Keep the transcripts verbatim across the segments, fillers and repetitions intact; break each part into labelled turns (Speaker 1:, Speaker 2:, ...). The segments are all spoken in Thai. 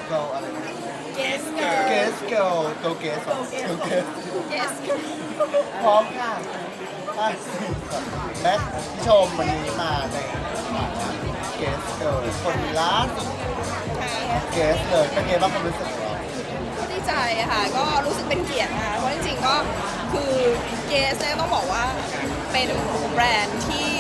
Speaker 1: go อะไรนะ
Speaker 2: Yes girl
Speaker 1: Guess girl go guess go guess
Speaker 2: Yes
Speaker 1: พร้อมค่ะห้าสี่สามแม็กพี่ชมวันนี้มาในฐานะ Guess girl คนล่าสุด Guess เลยเป็นไงบ้างความรู้สึกของเรา
Speaker 2: ก็ดีใจค่ะก็รู้สึกเป็นเกียรตินะคะเพราะจริงๆก็คือเกสเนี่ยต้องบอกว่าเป็นแบรนด์ที่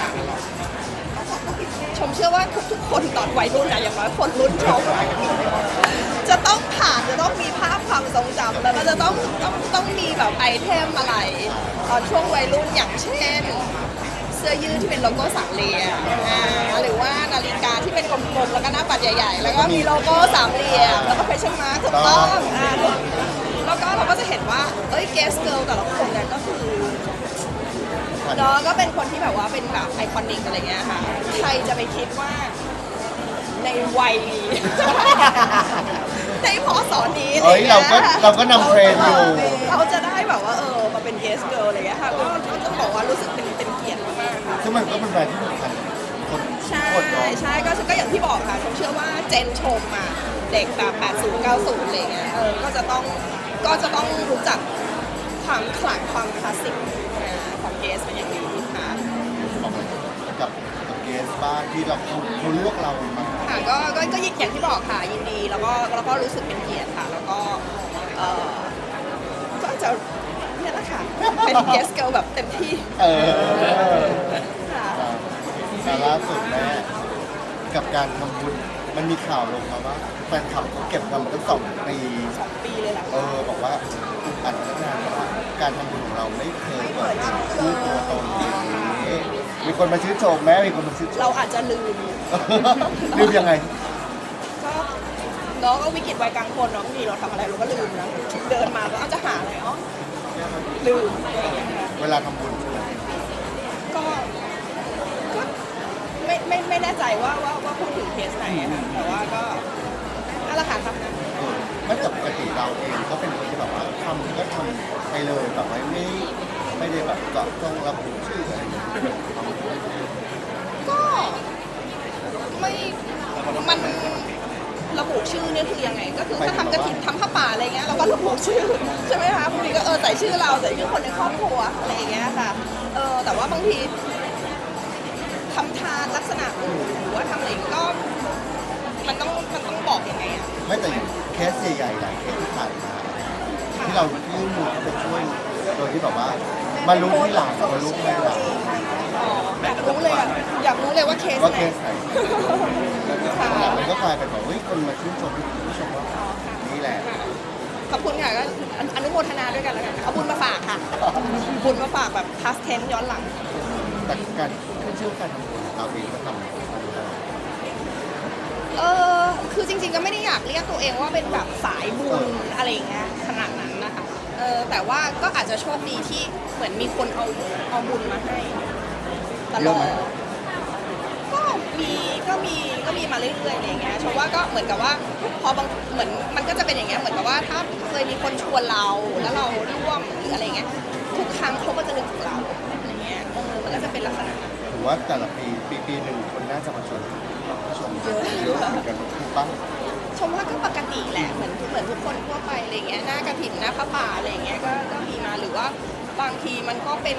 Speaker 2: ชมเชื่อว่าทุกๆคนตอนวัยรุ่นนะอย่างน้อยคนรุ่นชมจะต้องผ่านจะต้องมีภาพความทรงจำแล้วก็จะต้องต้องต้องมีแบบไอเทมอะไรตอนช่วงวัยรุ่นอย่างเช่นเสื้อยืดที่เป็นโลโก้สามเหลี่ยมอ่าหรือว่านาฬิกาที่เป็นกลมๆแล้วก็หน้าปัดใหญ่ๆแล้วก็มีโลโก้สามเหลี่ยมแล้วก็แฟชั่นมาร์คถูกต้องอ่าแล้วก็เราก็จะเห็นว่าเอ้ยเกสเกิร์ลแต่ละคนเนี่ยก็คือเนาะก็เป็นคนที่แบบว่าเป็นแบบไอคอนิกอะไรเงี้ยค่ะใครจะไปคิดว่าในวัยนี้ ในพศนี้
Speaker 1: เอ้ยเราก็เราก็นำเทรนด์อยู่
Speaker 2: เราจะได้แบบว่าเออมาเป็นเกสเกิร์ลอะไรเงี้ยค่ะก็ก็ต้องบอกว่ารู้สึกเป็นเป็นเกียรติมากๆค่ะ
Speaker 1: ซึ่งมันก็เป็นแบรนด์ที่สำคัญคน
Speaker 2: ใช่
Speaker 1: คนเนาะ
Speaker 2: ใช่ก็ก็อย่างที่บอกค่ะผมเชื่อว่าเจนชมอ่ะเด็กแบบแปดสิบ เก้าสิบอะไรเงี้ยเออก็จะต้องก็จะต้องรู้จักความขลังความคลาสสิกของเกสเป็นอย่างดีค่ะ
Speaker 1: กับกับเกสบ้างที่เราเขาเขาเลือกเรามา
Speaker 2: ค่ะก็ก็ก็อย่างที่บอกค่ะยินดีแล้วก็แล้วก็รู้สึกเป็นเกียรติค่ะแล้วก็เออก็จะเนี่ยแหละค่ะเป็นเกสเกิลแบบเต็มที่
Speaker 1: เออ
Speaker 2: ค่ะ
Speaker 1: แต่ล่าสุดแม่กับการทำบุญมันมีข่าวลงมาว่าแฟนคลับเขาเก็บเงินมาตั้งสองปี
Speaker 2: สองปีเลยแหละ
Speaker 1: เออบอกว่าอัดนานว่าการทำบุญของเราไม่เคยเปิดชื่อตัวตนอย่างนี้มีคนมาชื่นชมแม่มีคนมาชื่นช
Speaker 2: เรา
Speaker 1: ม
Speaker 2: อาจจะลืม
Speaker 1: ลืมยังไง
Speaker 2: ก็น้องก็วิกฤตวัยกลางคนเนาะบางทีเราทำอะไรเราก็ลืมนะเดินมาก็เอาจะหาอะไรอ๋อลืมอะไรอย่างเงี้ยค่ะ
Speaker 1: เวลาทำบุญ
Speaker 2: ก็ก็ไม่ไม่ไม่แน่ใจว่าว่าว่าพูดถึงเคสไหนอะค่ะแต่ว่าก็นั่นแหละค่ะครับ
Speaker 1: เออไม่แต่ปกติเราเองก็เป็นคนที่แบบว่าทำก็ทำไปเลยแบบไม่ไม่ไม่ได้แบบเจาะจงระบุชื่ออะไรอย่างเงี้ย
Speaker 2: ก็ไม่มันระบุชื่อเนี่ยคือยังไง ก็คือถ้าทำกระถิ่นทำผ้าป่าอะไรเงี้ยเราก็ระบุชื่อใช่ไหมคะบางทีก็เออใส่ชื่อเราใส่ชื่อคนในครอบครัวอะไรอย่างเงี้ยค่ะเออแต่ว่าบางทีทำทานลักษณะอื่นหรือว่าทำอะไรก็มันต้องมันต้องบอกยังไงอะ
Speaker 1: ไม่แต่อย่างเคสใหญ่ๆหลายเคสที่ผ่านมาที่เรายื่นมือเข้าไปช่วยโดยที่แบบว่ามารู้ที่หลังมารู้ที่หลัง
Speaker 2: อ๋ออยากรู้เลยอะอยากรู้เลยว่าเคส
Speaker 1: ว่า
Speaker 2: ไหน
Speaker 1: เคสไหนแล้วหลังมันก็กลายเป็นแบบเฮ้ยคนมาชื่นชมผู้ชมว่านี่แหละ
Speaker 2: ขอบคุณค่ะก็อนุโมทนาด้วยกันแล้วกันเอาบุญมาฝากค่ะบุญมาฝากแบบพาสเทนย้อนหลัง
Speaker 1: แต่การขึ้นชื่อการทำบุญเราเองก็ทำ
Speaker 2: เออคือจริงๆก็ไม่ได้อยากเรียกตัวเองว่าเป็นแบบสายบุญอะไรอย่างเงี้ยขนาดนั้นนะคะเออแต่ว่าก็อาจจะโชคดีที่เหมือนมีคนเอาเอาบุญมาให้ตลอดก็มีก็มีก็มีมาเรื่อยๆอะไรอย่างเงี้ยชมว่าก็เหมือนกับว่าพอบางเหมือนมันก็จะเป็นอย่างเงี้ยเหมือนกับว่าถ้าเคยมีคนชวนเราแล้วเราร่วมหรืออะไรเงี้ยทุกครั้งเขาก็จะนึกถึงเราอะไรเงี้ยเออมันก็จะเป็นลักษณะนั้น
Speaker 1: ถือว่าแต่ละปีปีปีหนึ่งคนน่าจะมาชวนชมเยอะเยอะเหมือนกันถูกปะ
Speaker 2: ชมว่าก็ปกติแหละเหมือนเหมือนทุกคนทั่วไปอะไรเงี้ยหน้ากระถิ่นหน้าพระป่าอะไรเงี้ยก็ก็มีมาหรือว่าบางทีมันก็เป็น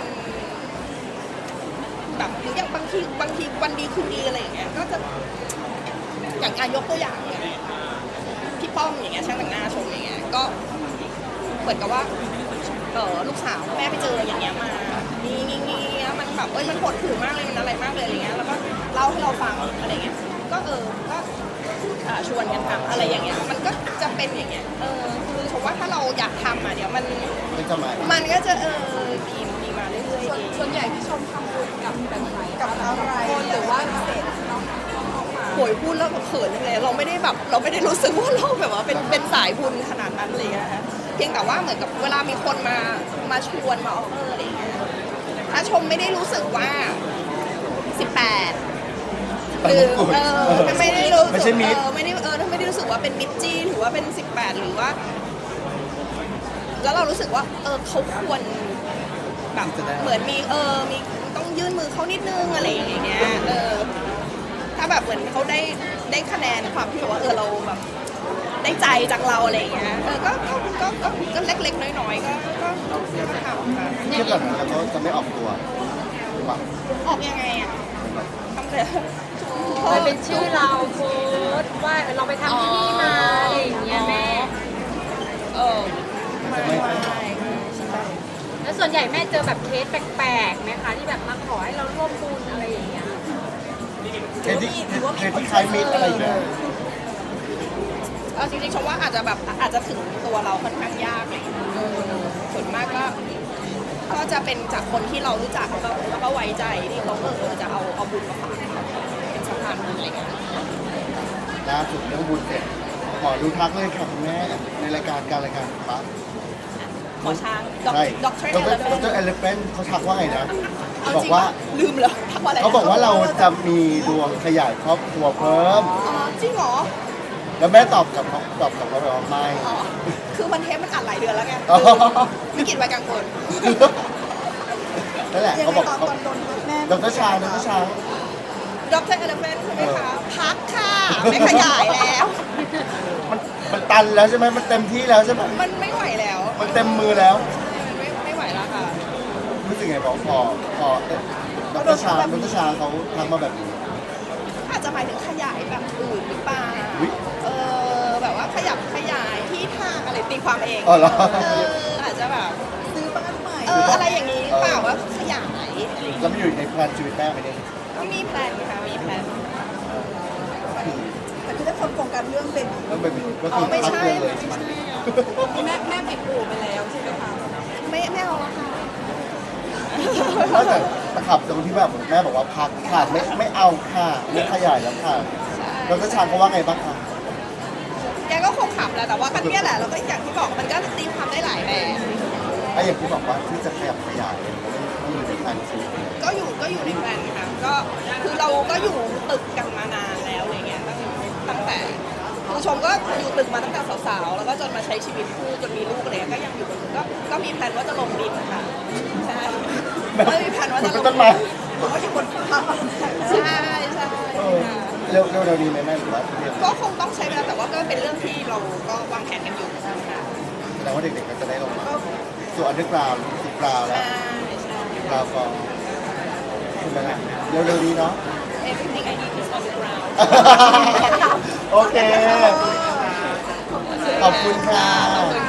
Speaker 2: แบบหรืออย่างบางทีบางทีวันดีคืนดีอะไรอย่างเงี้ยก็จะอย่างอายกตัวอย่างอย่างพี่ป้อมอย่างเงี้ยช่างแต่งหน้าชมอย่างเงี้ยก็เหมือนกับว่าเออลูกสาวแม่ไปเจออย่างเงี้ยมานี่นี่นี่มันแบบเอ้ยมันปวดหูมากเลยมันอะไรมากเลยอะไรเงี้ยแล้วก็เล่าให้เราฟังอะไรเงี้ยก็เออก็ อ่าชวนกันทำอะไรอย่างเงี้ยมันก็จะเป็นอย่างเงี้ยเออคือผมว่าถ้าเราอยากทำอ่ะเดี๋ยวมัน
Speaker 1: ไม่จะมา
Speaker 2: มันก็จะเออมีมีมาเรื่อยๆเอง
Speaker 3: ส่วนใหญ่ที่ชมทำบุญกับแบบไหนกับอะไรคนหรือว่าพิเศษน้องน้องมา
Speaker 2: โวยพูดแล้วเขินเลยเราไม่ได้แบบเราไม่ได้รู้สึกว่าเราแบบว่าเป็นเป็นสายบุญขนาดนั้นเลยนะคะเพียงแต่ว่าเหมือนกับเวลามีคนมามาชวนมาออฟเฟอร์อะไรอย่างเงี้ยถ้าชมไม่ได้รู้สึกว่าสิบแปดหรือเออไม่ได้รู้สึก
Speaker 1: ไม่ใช่มิตร
Speaker 2: เออไม่ได้เออไม่ได้รู้สึกว่าเป็นมิตรจี้หรือว่าเป็นสิบแปดหรือว่า แล้วเรารู้สึกว่าเออเขาควรแบบเหมือนมีเออมีต้องยื่นมือเขานิดนึงอะไรอย่างเงี้ยเออถ้าแบบเหมือนเขาได้ได้คะแนนความที่แบบว่าเออเราแบบได้ใจจากเราอะไรอย่างเงี้ยเออก็ก็ก็ก็ก็เล็กๆน้อยๆก็ก็ก็ทำค่ะ
Speaker 1: เทียบกับนั้นแล้วก็จะไม่ออกตัวหรือเปล่า
Speaker 2: ออกยังไงอ่ะทำแต่
Speaker 3: มันเป็นชื่อเราโพสต์ว่าเราไปทำที่นี่มาอะไรอย่างเงี้ยแม่
Speaker 2: เออไม่ไม่ไม่ใช่
Speaker 3: แล้วส่วนใหญ่แม่เจอแบบเคสแปลกๆไหมคะที่แบบมาขอให้เราร่วมบุญอะไรอย่างเงี้ย
Speaker 1: เคสที่เคสที่คล้ายมิตรอะไรอย่างเงี้ย
Speaker 2: เอาจริงๆชมว่าอาจจะแบบอาจจะถึงตัวเราค่อนข้างยากเลยส่วนมากก็ก็จะเป็นจากคนที่เรารู้จักแล้วก็แล้วก็ไว้ใจที่เขาเออจะเอาเอาบุญมาฝากเราเป็นสะพานบุญอะไรเงี้ย
Speaker 1: ล่าสุดเรื่องบุญเสร็จขอดูทักเลยค่ะคุณแม่ในรายการการรายการปั๊บ
Speaker 2: หมอช้างด็อก
Speaker 1: ใช่
Speaker 2: ด็อกเตอร์
Speaker 1: ด
Speaker 2: เอล
Speaker 1: รดรเอลเฟนเขาทักว่าไงนะ
Speaker 2: เอา
Speaker 1: บอ
Speaker 2: จ
Speaker 1: ก
Speaker 2: ริง
Speaker 1: ว่า
Speaker 2: ลืมเหรอทักว่าอะไรนะ
Speaker 1: เขาบอกว่าเราจะมีดวงขยายครอบครัวเพิ่ม
Speaker 2: อ๋อจริงเหรอ
Speaker 1: แล้วแม่ตอบกับเขาตอบกับเขาไปว่าไม่
Speaker 2: อ๋อคือมันเทปมันอัดหลายเดือนแล้วไง
Speaker 1: อ๋อ
Speaker 2: วิกฤตวัยกลางคน
Speaker 1: นั่นแหละเขาบอกเขา
Speaker 2: แม่
Speaker 1: ดรชางดรชาง
Speaker 2: ด็อกเตอร์เอลเฟนใช่ไหมคะพักค่ะไม่ขยายแล้ว
Speaker 1: มันมันตันแล้วใช่ไหมมันเต็มที่แล้วใช่ไหม
Speaker 2: มันไม่ไหวแล้ว
Speaker 1: มันเต็มมือแล้ว
Speaker 2: มันไม่ไม่ไหวแล้วค่ะ
Speaker 1: รู้สึกไงบอกพอพอเอ๊ะดรชางดรชางเขาทักมาแบบนี้
Speaker 2: อาจจะหมายถึงขยายแบบอื่นหรือเปล่า
Speaker 1: อุ๊ย
Speaker 2: เออแบบว่าขยับขยายที่ทางอะไรตีความเอง
Speaker 1: อ๋อเหรอ
Speaker 2: เอออาจจะแบบซื้อบ้านใหม่เอออะไรอย่างนี้หรือเปล่าว่าขยาย
Speaker 1: แล้วมันอยู่ในแพลนชีวิตแม่ไหมเนี่ย
Speaker 2: ก็มีแพลนค่ะมีแพลน
Speaker 4: แต่คือถ้าคนโฟกัสเรื่องเป็น
Speaker 1: ต้องเป็นก็
Speaker 2: อ๋อ
Speaker 1: คือ
Speaker 2: ไม่
Speaker 1: พัก
Speaker 2: ใช่
Speaker 1: เดือนเลย
Speaker 2: ไม่
Speaker 1: ใช่ไหม
Speaker 2: ใช่
Speaker 3: แม่แม่ปิดอู่ไปแล้วใช่ไหมคะ
Speaker 2: ไม่ไม่เอาแล้วค่ะ
Speaker 1: นอกจากตะขับตรงที่แบบแม่บอกว่าพักค่ะไม่ไม่เอาค่ะไม่ขยายแล้วค่ะ
Speaker 2: ใช่
Speaker 1: ดรชางเขาว่าไงบ้างคะ
Speaker 2: แกก็คงขับแหละแต่ว่าก็เนี่ยแหละแล้วก็อย่างที่บอกมันก็ตีความได้หลายแบบ
Speaker 1: ไอ้อย่างที่บอกว่าที่จะขยับขยายมันอยู่ในแผนชีวิต
Speaker 2: ก็อยู่ก็อยู่ในแพลนค่ะก็คือเราก็อยู่ตึกกันมานานแล้วอะไรเงี้ยตั้งตั้งแต่คือชมก็อยู่ตึกมาตั้งแต่สาวๆแล้วก็จนมาใช้ชีวิตคู่จนมีลูกอะไรเงี้ยก็ยังอยู่ก็ก็มีแพลนว่าจะลงดินค่ะใช่ก็มีแพลนว่าจะลง
Speaker 1: ต้นไม้
Speaker 2: ผมว่าที่คนฟ้าใช่ใช่
Speaker 1: เออ
Speaker 2: ค่ะ
Speaker 1: เร็วเร็วเร็วนี้ไหมแม่หรือว่าเรียน
Speaker 2: ก็คงต้องใช้เวลาแต่ว่าก็เป็นเรื่องที่เราก็วางแผนกันอยู่ค่ะ
Speaker 1: แสดงว่าเด็กๆก็จะได้ลงมาส่วนอันเดอร์กราวด์สิบกราวด์แล้ว
Speaker 2: ใช่ใช่
Speaker 1: กราวด์ฟองใช่ไหมล่ะเร็วเร็วนี้เนาะ
Speaker 2: everything I need is on the ground
Speaker 1: โอเค ขอบคุณค่ะ
Speaker 2: ขอบคุณ